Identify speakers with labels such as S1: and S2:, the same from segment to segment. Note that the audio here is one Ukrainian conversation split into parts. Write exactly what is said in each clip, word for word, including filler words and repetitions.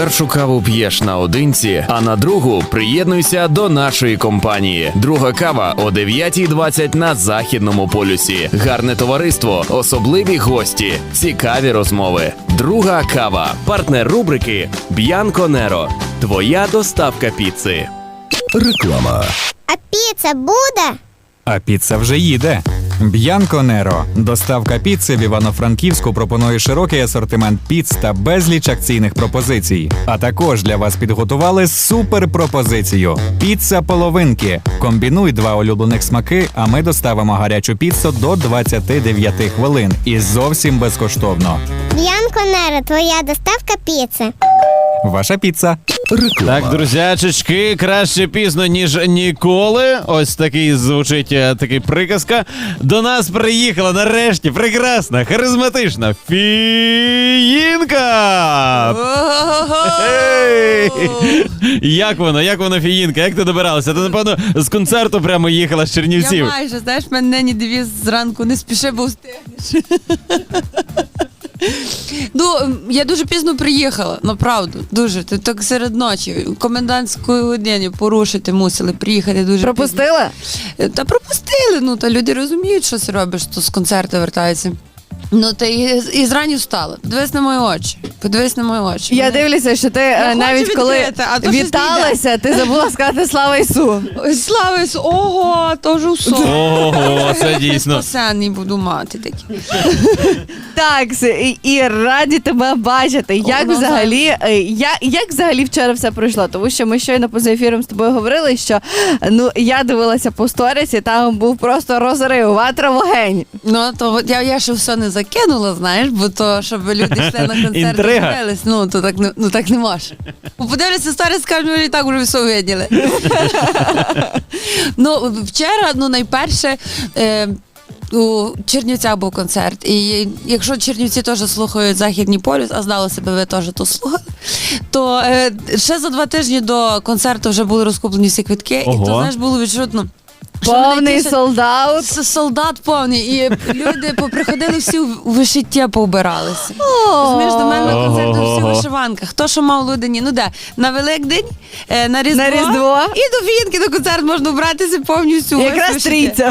S1: першу каву п'єш наодинці, а на другу приєднуйся до нашої компанії. Друга кава о дев'ятій двадцять на Західному полюсі. Гарне товариство, особливі гості, цікаві розмови. Друга кава. Партнер рубрики Б'янко Неро. Твоя доставка піци.
S2: Реклама.
S3: А піца буде?
S4: А піца вже їде. Б'янко Неро. Доставка піци в Івано-Франківську пропонує широкий асортимент піц та безліч акційних пропозицій. А також для вас підготували супер-пропозицію. Піца половинки. Комбінуй два улюблених смаки, а ми доставимо гарячу піцу до двадцяти дев'яти хвилин. І зовсім безкоштовно.
S3: Б'янко Неро, твоя доставка піци.
S4: Ваша піца.
S2: Реклама.
S5: Так, друзячечки, краще пізно, ніж ніколи. Ось такий звучить е, такий приказка. До нас приїхала нарешті прекрасна, харизматична Фіїнка! Ей! Як воно? Як воно, Фіїнка? Як ти добиралася? Ти, напевно, з концерту прямо їхала з Чернівців.
S6: Я майже, знаєш, мене нині девіз зранку не спіши, бо встигнеш. Ну, я дуже пізно приїхала, направду, дуже. Ти так серед ночі, комендантської години порушити мусили, приїхати дуже
S7: Пропустила?
S6: пізно. Та пропустили, ну, та люди розуміють, що ти робиш, то з концерту вертаються. Ну, та і, і зрані встала. Подивись на мої очі. Подивись на мої очі.
S7: Я
S6: Мене...
S7: дивлюся, що ти
S6: Я
S7: е, навіть
S6: хочу
S7: коли
S6: відкрити, а то щось
S7: віталася, ти забула сказати «Слава Ісу».
S6: Ой, слава Ісу, ого, то ж усо.
S5: Ого, це дійсно.
S6: Спасенний буду мати такі.
S7: Так, і, і раді тебе бачити. Як
S6: О,
S7: взагалі, е, я, як взагалі вчора все пройшло? Тому що ми щойно поза ефіром з тобою говорили, що ну я дивилася по сторісі, там був просто розрив, ватра, вогонь.
S6: Ну, то от я, я ще все не закинула, знаєш, бо то, щоб люди йшли на концерт,
S5: Інтрига.
S6: дивились, ну, то так не, ну, так не може. Бо подивляться старі, скажуть, ми і так вже все виділи. Ну, вчора, ну, найперше, е, у Чернівцях був концерт. І якщо Чернівці теж слухають Західний полюс, а здалося би, ви теж то слухали, то е, ще за два тижні до концерту вже були розкуплені всі квитки,
S5: Ого.
S6: і то, знаєш, було відчутно. що вони
S7: Повний
S6: тішать-
S7: солдат.
S6: С- Солдат повний, і люди поприходили всі у вишиття поубиралися. Розумієш, до мене на концерти всі у
S5: Ого.
S6: вишиванках. Хто що мав Лудені? Ну де? На Великдень, е, на Різдво,
S7: На Різдво.
S6: і до Фінки на концерт можна вбратися повністю.
S7: Якраз
S6: вишиття.
S7: трійця.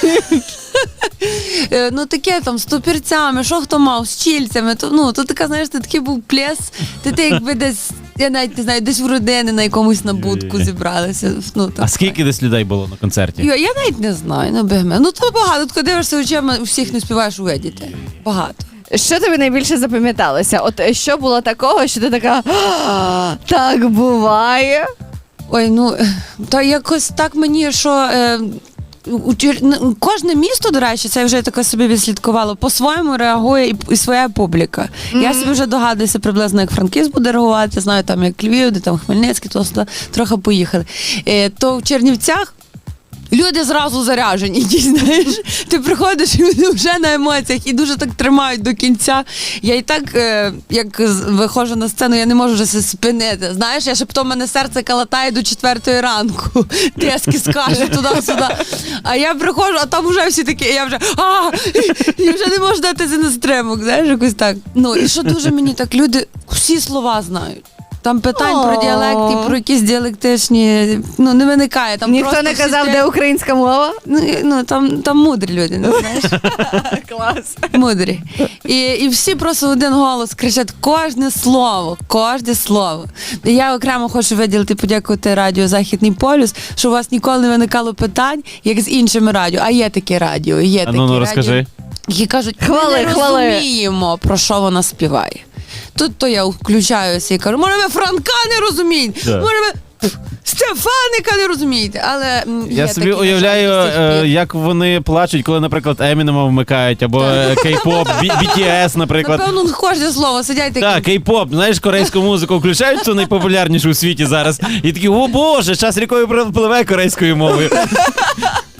S6: Е, Ну таке там з топірцями, що хто мав, з чільцями. То, ну, то така, знаєш, ти такий був плес, ти, ти якби десь, я навіть не знаю, десь в родини на якомусь набутку зібралися. Ну, так.
S5: А скільки десь людей було на концерті?
S6: Я, я навіть не знаю, ну бігме. Ну то багато, коли дивишся очима, всіх не співаєш увидіти. Багато.
S7: Що тобі найбільше запам'яталося? От е, що було такого, що ти така «А, так буває?
S6: Ой, ну, та якось так мені, що... Е, у Чер- ну, кожне місто, до речі, це я вже таке собі відслідкувало, по-своєму реагує і, і своя публіка. Mm-hmm. Я собі вже догадуюся приблизно, як Франківськ буде реагувати, знаю там, як Львів, де там Хмельницький, то сюди трохи поїхали. Е, то в Чернівцях люди зразу заряжені, ті, знаєш, ти приходиш і вони вже на емоціях і дуже так тримають до кінця. Я і так, е, як з- виходжу на сцену, я не можу вже себе спинити. Знаєш, я ще потім мене серце калатає до четвертої ранку. Тиски скаже туди-сюди. А я приходжу, а там вже всі такі, і я вже а і вже не можу датися на стримок, знаєш, якось так. Ну, і що дуже мені так, люди всі слова знають. Там питань про діалекти, про якісь діалектичні, ну, не виникає. Там
S7: Ніхто
S6: просто
S7: не
S6: всі
S7: казав,
S6: стоять-
S7: де українська мова?
S6: Ну, і- ну там, там мудрі люди, не знаєш?
S7: Клас.
S6: Мудрі. І, і всі просто в один голос кричать кожне слово, кожне слово. І я окремо хочу виділити, подякувати радіо «Західний полюс», що у вас ніколи не виникало питань, як з іншими радіо. А є таке радіо, є
S5: А
S6: такі
S5: ну, ну
S6: радіо,
S5: розкажи.
S6: які кажуть,
S7: Хвали,
S6: ми не
S7: хвали.
S6: розуміємо, про що вона співає. Тут то я включаюся і кажу, може ви Франка не розумієте,
S5: Так.
S6: може ви Стефаника не розумієте, але м, є
S5: Я собі
S6: такі, на
S5: уявляю,
S6: жаль, до сих
S5: е,
S6: пір.
S5: як вони плачуть, коли, наприклад, Емінема вмикають, або е, кей-поп, бі ті ес, наприклад.
S6: Напевно, кожне слово сидять такі.
S5: Так, кей-поп, знаєш, корейську музику включають, цю найпопулярнішу у світі зараз. І такі, о боже, час рікою пливе корейською мовою.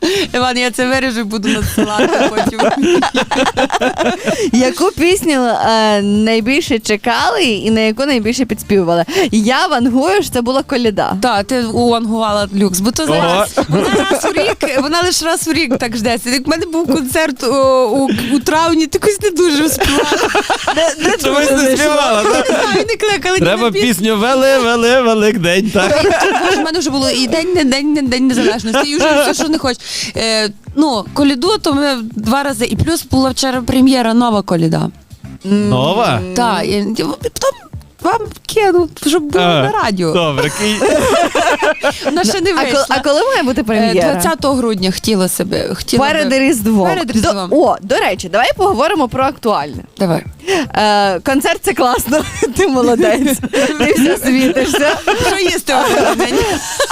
S6: Іван, я це виріжу і буду надсилати потім.
S7: Яку пісню е, найбільше чекали і на яку найбільше підспівували? Я вангую, що це була коляда.
S6: Так, ти уангувала люкс, бо то
S5: Ого.
S6: зараз вона раз у рік, вона лише раз у рік так ждеться. Як в мене був концерт о, у, у травні, ти якось не дуже співала.
S5: Чомусь не співала,
S6: Не
S5: так?
S6: знаю, не кликали. ні
S5: Треба
S6: на пісню.
S5: пісню «Вели, вели, Великдень», так?
S6: Боже, в мене вже було і день, не день, не день незалежності, і вже все, що не хочеш. Е, ну, коляду, то ми два рази. І плюс була вчора прем'єра нова коляда.
S5: Нова?
S6: Так, і, і потім вам кину, щоб було
S5: А,
S6: на радіо.
S5: Добре, ки-
S6: Вона ще не
S7: А,
S6: вийшла.
S7: ко- а коли має бути
S6: Е,
S7: прем'єра?
S6: двадцятого грудня хотіла себе. Хотіла
S7: Перед
S6: би-
S7: Різдвом.
S6: Перед Різдвом.
S7: До, о, до речі, давай поговоримо про актуальне.
S6: Давай.
S7: Е, концерт це класно, ти молодець. Ти все світишся.
S6: Що їсти в мені?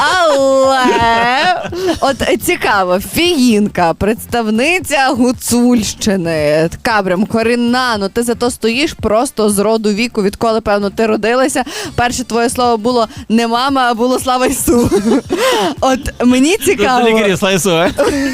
S7: Але от цікаво, фіїнка, представниця Гуцульщини, така прям корінна, ну ти зато стоїш просто з роду віку, відколи, певно, ти родилася. Перше твоє слово було не мама, а було слава Ісу. От мені цікаво.
S5: Лікарі, слайсу, а?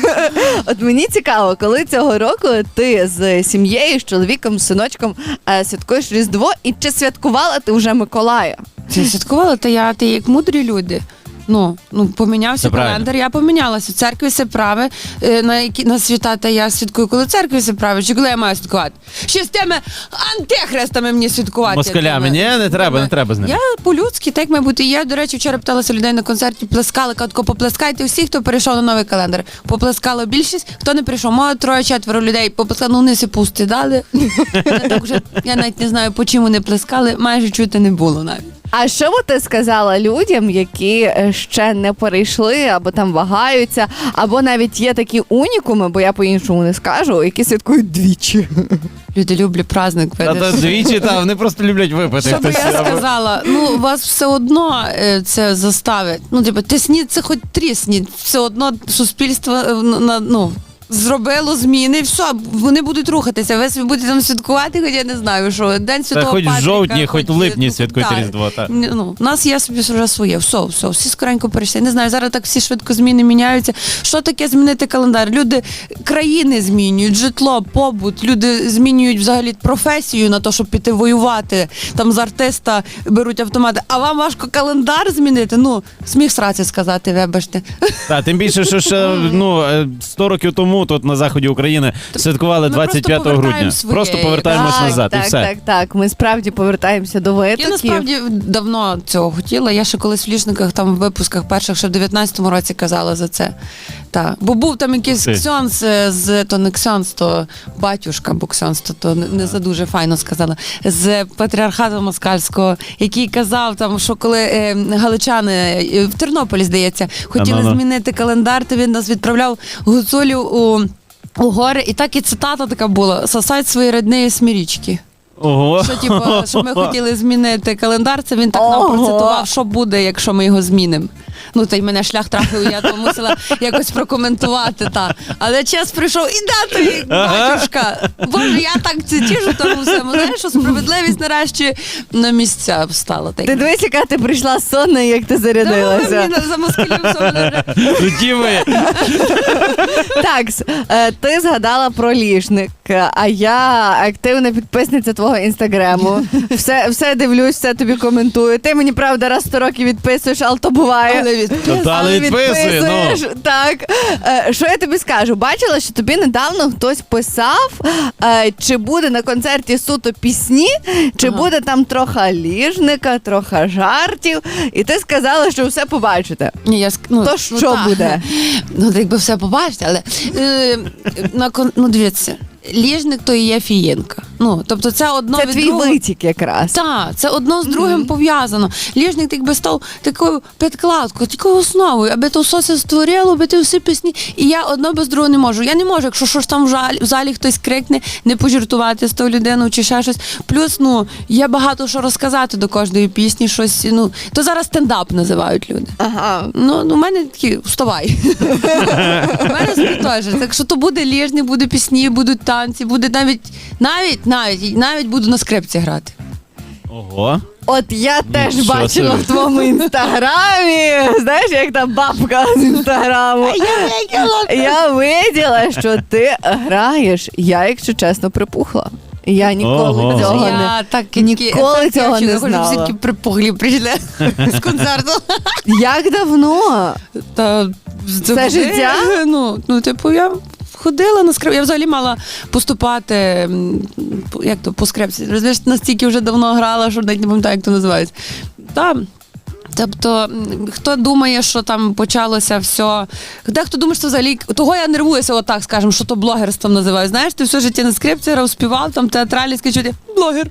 S7: От мені цікаво, коли цього року ти з сім'єю, з чоловіком, з синочком е, святкуєш Різдво, і чи святкувала ти вже Миколая?
S6: Ти святкувала, та я, ти як мудрі люди. Ну, ну помінявся
S5: Це правильно.
S6: календар, я помінялася. В церкві все праве, е, на які на свята, та я святкую, коли в церкві все праве, чи коли я маю святкувати? Ще з тими антихрестами мені святкувати.
S5: Москалями, ні, не треба, не треба з ними.
S6: Я по-людськи, так має бути. Я, до речі, вчора питалася людей на концерті, плескали, катко, поплескайте всі, хто перейшов на новий календар. Поплескала більшість, хто не прийшов. Мало троє-четверо людей поплескали, ну вони си пусти дали. Я, так вже, я навіть не знаю, по чому не плескали, майже чути не було навіть.
S7: А що би ти сказала людям, які е, ще не перейшли, або там вагаються, або навіть є такі унікуми, бо я по-іншому не скажу, які святкують двічі?
S6: Люди люблять праздник.
S5: А
S6: видиш.
S5: то двічі, та, вони просто люблять випити.
S6: Що би
S5: хтось,
S6: я
S5: або-
S6: сказала? Ну, вас все одно е, це заставить. Ну, типу, тисніть це хоч трісніть. Все одно суспільство е, на, ну, зробило зміни, і все, вони будуть рухатися. Ви собі будете там святкувати, хоч я не знаю, що День
S5: Та
S6: Святого
S5: хоч в
S6: Патріка.
S5: жовтні, хоч в липні
S6: ну,
S5: святкуйте
S6: так.
S5: Різдво, так.
S6: Ні, Ну, у нас є собі вже своє. Все, все, всі скоренько перейшли. Не знаю, зараз так всі швидко зміни міняються. Що таке змінити календар? Люди країни змінюють, житло, побут. Люди змінюють взагалі професію на те, щоб піти воювати. Там з артиста беруть автомати. А вам важко календар змінити? Ну, сміх сраці сказати, вибачте.
S5: Та, тим більше, що ще ну, е, сто років тому тут на заході України святкували
S6: Ми
S5: двадцять п'ятого
S6: просто
S5: грудня.
S6: повертаємо своє.
S5: Просто повертаємось
S7: так,
S5: назад,
S7: так,
S5: і все.
S7: так, так. Ми справді повертаємося до
S6: Я
S7: витоків.
S6: насправді давно цього хотіла. Я ще колись в ліжниках, там в випусках перших, ще в дев'ятнадцятому році казала за це. Так. Бо був там якийсь
S5: Ти.
S6: ксьонс е, з то не ксьонс, то батюшка, бо ксьонс, то, то не, не за дуже файно сказала. З патріархату москальського, який казав, там, що коли е, галичани е, в Тернополі, здається, хотіли
S5: А-ну-ну.
S6: змінити календар, то він нас відправляв гуцулів у. У гори, і так і цитата така була: сосать свої рідні смірічки.
S5: Ого.
S6: Що, типу, що ми хотіли змінити календар, це він так нам
S7: Ого.
S6: процитував, що буде, якщо ми його змінимо. Ну, та й мене шлях трафив, я то мусила якось прокоментувати. Та. Але час прийшов, і да, тобі, батюшка. Боже, я так це тіжу тому всьому. Знаєш, що справедливість нарешті на місця встала. Так.
S7: Ти дивись, яка ти прийшла сонна, і як ти
S6: Та ви
S7: зарядилася.
S6: мені за москалів все мене.
S5: Тоді ви.
S7: Так, с- е, ти згадала про ліжник, а я активна підписниця твого інстаграму. Все, все дивлюсь, все тобі коментую. Ти мені, правда, раз в сто років відписуєш, але то буває.
S6: Але від-
S5: Ну, та, але відписує, ну.
S7: відписуєш. Так. Е, Що я тобі скажу? Бачила, що тобі недавно хтось писав, е, чи буде на концерті суто пісні, чи
S6: Ага.
S7: буде там трохи ліжника, трохи жартів. І ти сказала, що все побачите.
S6: Ні, я, ск- ну,
S7: То
S6: ну,
S7: що
S6: та.
S7: буде?
S6: Ну, так якби все побачите, але е, на кон... ну, дивіться, ліжник то і є фієнка. Ну, тобто це одно
S7: Це
S6: від
S7: твій
S6: другого.
S7: витік якраз.
S6: Так, це одно з другим пов'язано. Ліжник так би став такою підкладкою, такою основою, аби то все це створило, аби ти всі пісні. І я одно без другого не можу. Я не можу, якщо щось там в залі, в залі хтось крикне, не пожартувати з тою людиною чи ще щось. Плюс, ну, є багато що розказати до кожної пісні, щось, ну, то зараз стендап називають люди.
S7: Ага.
S6: Ну, ну, у мене такі, вставай. У мене собі теж. Так що то буде ліжник, буде пісні, будуть танці, буде навіть, навіть, навіть, навіть буду на скрипці грати.
S5: Ого.
S7: От я теж
S5: Нічого
S7: бачила
S5: собі.
S7: в твоєму інстаграмі. Знаєш, як та бабка з інстаграму. Я виділа, що ти граєш. Я, якщо чесно, припухла. Я ніколи
S5: Ого.
S7: цього не...
S6: Я так
S7: ніколи цього не знала.
S6: Всі такі припуглі прийшли з концерту.
S7: Як давно?
S6: Та
S7: Все
S6: буде.
S7: життя?
S6: Ну, ну, типу, я ходила на скрип. Я взагалі мала поступати, м, як то, по скрипці. Розумієш, настільки вже давно грала, що навіть не пам'ятаю, як то називається. Там. Тобто, м, хто думає, що там почалося все. Дехто думає, що взагалі. Того я нервуюся, отак, скажемо, що то блогерством називаю. Знаєш, ти все життя на скрипці грав, співав, там театралі скажуть, блогер.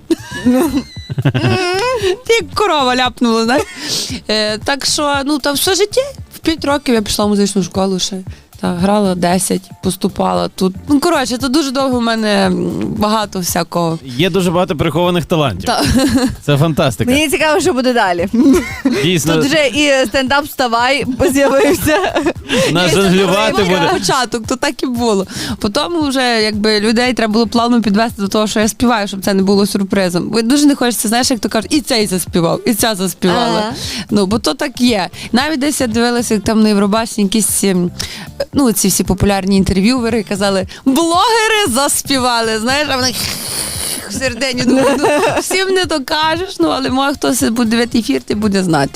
S6: Ти як корова ляпнула, знаєш. Е, так що, ну, там все життя. В п'ять років я пішла в музичну школу ще. Та, грала десять, поступала тут. Ну, коротше, то дуже довго в мене м, багато всякого.
S5: Є дуже багато прихованих талантів.
S6: Та.
S5: Це фантастика.
S7: Мені цікаво, що буде далі.
S5: Дійсно,
S7: Тут вже і стендап «Вставай» з'явився.
S5: нас
S6: Це
S5: жонглювати
S6: був
S5: буде.
S6: початок, то так і було. Потім вже якби людей треба було плавно підвести до того, що я співаю, щоб це не було сюрпризом. Бо дуже не хочеться, знаєш, як то кажуть, і цей заспівав, і ця заспівала.
S7: Ага.
S6: Ну, бо то так є. Навіть десь я дивилася, як там на Євробаченні якісь, ем, ну, ці всі популярні інтерв'ювери казали, блогери заспівали, знаєш, а вони в середині думаю, ну, всім не то кажеш, ну, але може хтось буде дивити ефір, ти буде знати.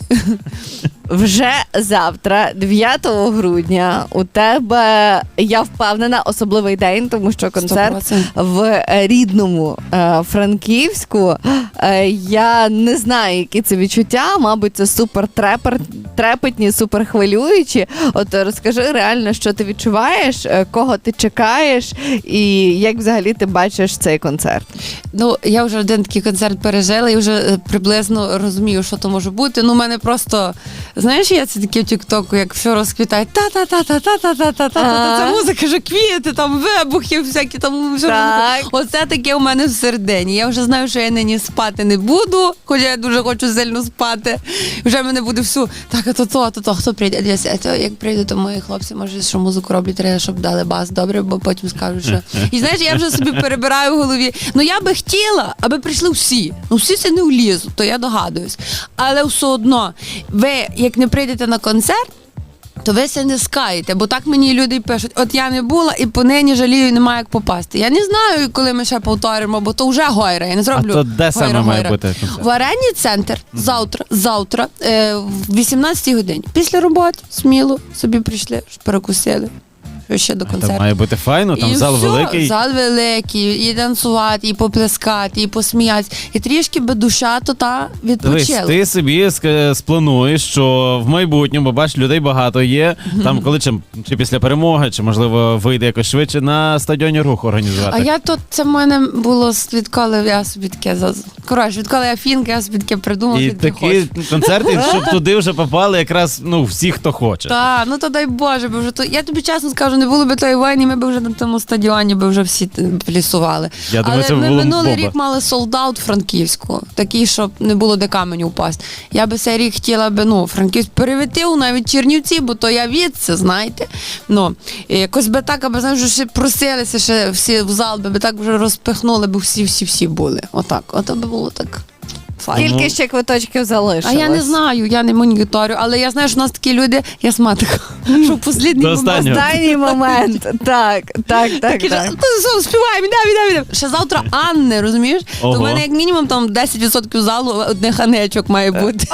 S7: Вже завтра, дев'ятого грудня, у тебе, я впевнена, особливий день, тому що концерт
S6: сто відсотків.
S7: в рідному е, Франківську. Е, я не знаю, які це відчуття, мабуть, це супер трепер, трепетні, супер хвилюючі. От розкажи реально, що ти відчуваєш, е, кого ти чекаєш і як взагалі ти бачиш цей концерт.
S6: Ну, я вже один такий концерт пережила і вже е, приблизно розумію, що то може бути. Ну, у мене просто, знаєш, я це таке в тіктоку, як все розквітає, та-та-та-та-та-та-та-та-та-та,
S7: Ага.
S6: це музика, що квіти, там вибухи, всякі там. Що
S7: Так.
S6: Оце таке у мене всередині. Я вже знаю, що я нині спати не буду, хоча я дуже хочу сильно спати. Вже мене буде всю, так, а то то, а то то, хто прийде? Дивіться, а то, як прийде, то мої хлопці, може, що музику роблять, треба, щоб дали бас, добре, бо потім скажуть, що... І знаєш, я вже собі перебираю в голові, ну я би хотіла, аби прийшли всі. Ну всі це не влізуть, то я догадуюсь. Але все одно, ви, як не прийдете на концерт, то ви це не скаєте, бо так мені люди пишуть, от я не була і понині жалію, немає як попасти. Я не знаю, коли ми ще повторимо, бо то вже гойра, я не зроблю.
S5: А то де саме
S6: гойра,
S5: має
S6: гойра.
S5: бути концерт?
S6: В арені центр, завтра, завтра, е, в вісімнадцятій годині. Після роботи, сміло, собі прийшли, перекусили. Що ще до
S5: Там
S6: концерту.
S5: має бути файно, там
S6: І
S5: зал
S6: все,
S5: великий.
S6: Зал великий, і танцювати, і поплескати, і посміятися. І трішки би душа то та
S5: Дивись,
S6: відпочила.
S5: ти собі ск- сплануєш, що в майбутньому, бо бач, людей багато є, там коли чи, чи після перемоги, чи можливо вийде якось швидше на стадіоні рух організувати.
S6: А я тут, це в мене було з- відколи я собі таке, заз- коротше, відколи я фінка, я собі таке придумала,
S5: І
S6: таке
S5: такі
S6: хочу.
S5: концерти, щоб туди вже попали якраз ну всі, хто хоче.
S6: Та, ну то дай Боже, бо вже то. Я тобі чесно скажу, не було би тої війни, ми б вже на тому стадіоні би вже всі т- плісували.
S5: Я думаю,
S6: Але
S5: це
S6: ми
S5: було б
S6: минулий
S5: бомба.
S6: рік мали солдат Франківську, такий, щоб не було де каменю впасти. Я би цей рік хотіла би, ну, Франківськ перевітив навіть Чернівці, бо то я відси, знаєте. Ну, і якось би так, аби, знаєш, вже ще просилися, ще всі в зал, би так вже розпихнули, бо всі-всі-всі були. Отак, ото би було так. Файно.
S7: Скільки ще квиточків
S6: А
S7: залишилось?
S6: я не знаю, я не моніторю, але я знаю, що у нас такі люди, я сматика, що в послідній
S5: До
S6: момент.
S5: останнього.
S7: Останній момент. Так, так, так,
S6: Такі
S7: так.
S6: ж, «То все, співаємо, іде, іде, іде». Ще завтра Анни, розумієш?
S5: Ого.
S6: То в мене як мінімум там десять відсотків залу одних Анечок має бути.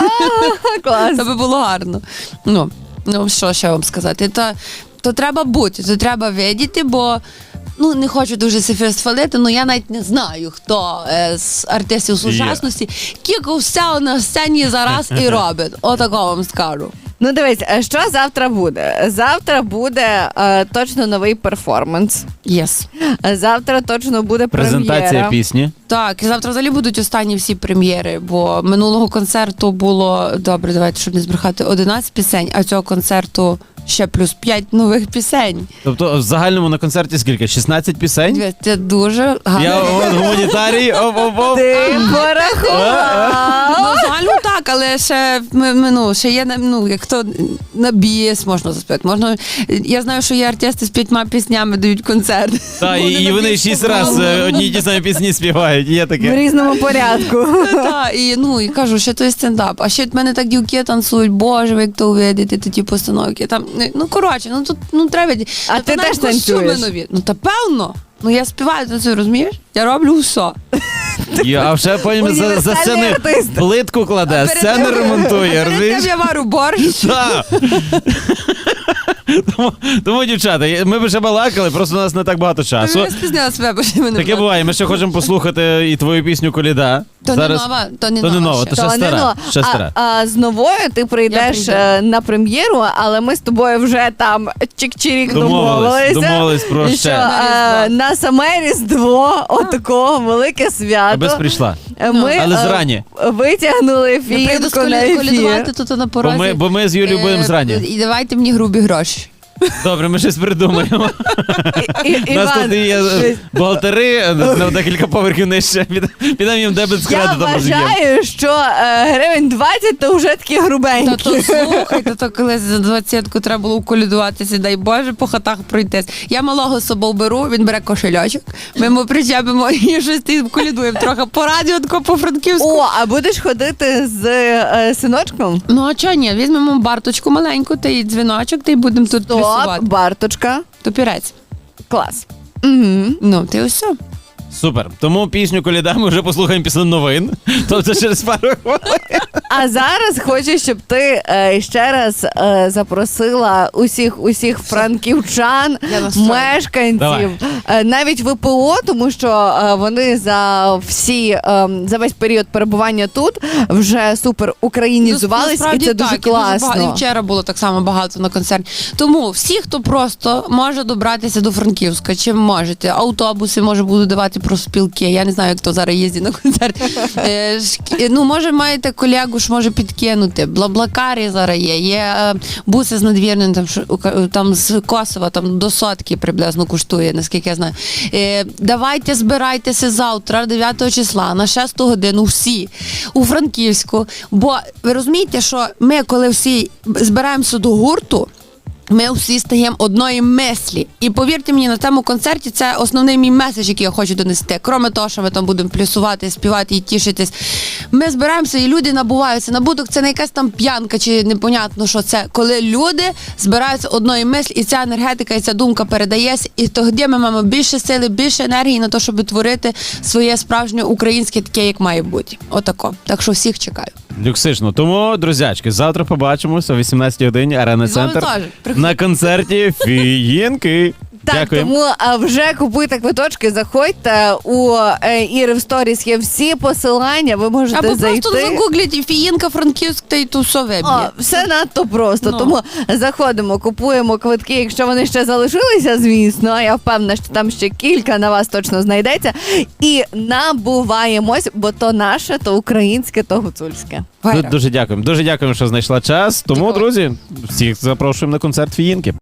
S7: Клас.
S6: Це би було гарно. Ну, ну що ще вам сказати? То, то треба бути, то треба видіти, бо ну, не хочу дуже себе схвалити, але я навіть не знаю, хто е, з артистів сучасності кілько все на сцені зараз і робить. Отакого вам скажу.
S7: Ну дивись, а що завтра буде? Завтра буде е, точно новий перформанс.
S6: Єс.
S7: Завтра точно буде
S5: Презентація
S7: прем'єра.
S5: пісні.
S6: Так, і завтра взагалі будуть останні всі прем'єри, бо минулого концерту було, добре, давайте, щоб не збрехати, одинадцять пісень, а цього концерту ще плюс п'ять нових пісень.
S5: Тобто в загальному на концерті скільки? шістнадцять пісень?
S6: Це дуже гарно.
S5: Я от гуманітарій, оп-оп-оп.
S7: Ти порахував.
S6: Ну, загально так. так, але ще, ми, ми, ну, ще є, ну, як то на біс можна заспівати. Можна, я знаю, що є артисти з п'ятьма піснями дають концерт.
S5: Та, і, і вони шість разів одні й ті самі пісні співають, є
S7: В
S5: таке.
S7: різному порядку.
S6: Так, і, ну, і кажу, що то є стендап. А ще в мене так дівки танцюють, боже, ви як то увидите, то ті постановки. Там, ну, коротше, ну, тут, ну, треба.
S7: А ти теж танцюєш?
S6: Нові. Ну, та певно. Ну, я співаю, танцюю, розумієш? Я роблю все.
S5: І, а вже потім за, за
S7: Універсальний
S5: сцени
S7: артист.
S5: плитку кладе,
S6: Перед
S5: сцени
S6: тим-
S5: ремонтує,
S6: Перед
S5: розумієш?
S6: тим я варю борщ.
S5: Так. Тому, тому, дівчата, ми б ще балакали, просто у нас не так багато часу.
S6: Я спізнила себе, бо ще мене
S5: Таке
S6: було.
S5: буває, ми ще хочемо послухати і твою пісню «Коліда».
S6: То не нова, то не
S5: то не
S6: нова
S5: нова,
S6: ще.
S5: то ще
S7: То не
S5: стара.
S7: нова.
S5: Ще стара.
S7: А, а з новою ти прийдеш
S6: прийду.
S7: е, на прем'єру, але ми з тобою вже там чик-чирік
S5: Домовились,
S7: домовилися.
S5: домовились про
S7: що
S5: ще.
S7: е, на саме Різдво, отакого велике свято.
S5: Без прийшла.
S7: е, Ми
S5: Але
S7: е,
S5: зрані.
S7: витягнули
S6: Я прийду з
S7: фієнку на
S6: колі-
S7: ефір.
S6: колядувати тут на
S5: Бо
S6: порозі.
S5: ми, бо ми з Юлією будемо
S6: Е,
S5: зрані.
S6: І давайте мені грубі гроші.
S5: Добре, ми щось придумаємо.
S7: І- і-
S5: У нас
S7: Іван,
S5: тут є е, бухгалтери на декілька поверхів нижче. Підемо- Підемо їм дебет з
S7: я
S5: кредитом розіб'ємо.
S7: вважаю, що е, гривень двадцять то вже такі
S6: Та
S7: грубенькі.
S6: то слухайте, то колись за двадцятку треба було уколядуватися, дай Боже, по хатах пройтись. Я малого з собою беру, він бере кошельочок, ми йому причепимо і щось ти колядуємо трохи по радіо, тако по Франківську.
S7: О, а будеш ходити з е, синочком?
S6: Ну а чого ні? Візьмемо барточку маленьку, та й дзвіночок, та й будемо тут
S7: Стоп,
S6: плюсувати.
S7: Барточка.
S6: Топірець.
S7: Клас. Угу.
S6: Ну, ти ось все.
S5: Супер. Тому пісню «Коліда» ми вже послухаємо після новин. Тобто через пару хвилин.
S7: А зараз хочу, щоб ти е, ще раз е, запросила усіх усіх франківчан,
S6: Я настроєна.
S7: мешканців,
S5: Давай.
S7: е, навіть ВПО, тому що е, вони за всі е, за весь період перебування тут вже супер українізувались, і
S6: Насправді
S7: це дуже
S6: так, і багато.
S7: класно.
S6: І вчора було так само багато на концерті. Тому всі, хто просто може добратися до Франківська, чим можете. Автобуси може будуть давати про спілки. Я не знаю, як то зараз їздить на концерт. Е, шк- Ну, може, маєте колегу, ж може підкинути. Блаблакарі зараз є. Є е, буси з надвірним, там, що- там з Косова, там до сотки приблизно коштує, наскільки я знаю. Е, Давайте збирайтеся завтра, дев'ятого числа, на шесту годину всі у Франківську. Бо ви розумієте, що ми, коли всі збираємося до гурту, ми всі стаємо одної мислі. І повірте мені, на цьому концерті це основний мій меседж, який я хочу донести. Кроме того, що ми там будемо плюсувати, співати і тішитись. Ми збираємося, і люди набуваються. Набуток це не якась там п'янка чи непонятно, що це. Коли люди збираються одної мислі, і ця енергетика, і ця думка передається, і тоді ми маємо більше сили, більше енергії на те, щоб творити своє справжнє українське таке, як має бути. Отако. Так що всіх чекаю.
S5: Люксично. Тому, друзячки, завтра побачимося о вісімнадцятій годині Арена
S6: З вами
S5: Центр
S6: теж. Приходьте.
S5: на концерті Фієнки.
S7: Так,
S5: Дякую.
S7: тому а, вже купуйте квиточки, заходьте у е, Іри в сторіс є всі посилання, ви можете
S6: Або
S7: зайти.
S6: просто загугліть Фієнка, Франківськ, та й то все виб'є.
S7: О, все надто просто.
S6: Ну.
S7: Тому заходимо, купуємо квитки, якщо вони ще залишилися, звісно. Я впевнена, що там ще кілька на вас точно знайдеться. І набуваємось, бо то наше, то українське, то гуцульське.
S6: Вайра.
S5: Дуже дякуємо. Дуже дякуємо, що знайшла час. Тому,
S6: Дякую.
S5: друзі, всіх запрошуємо на концерт Фієнки.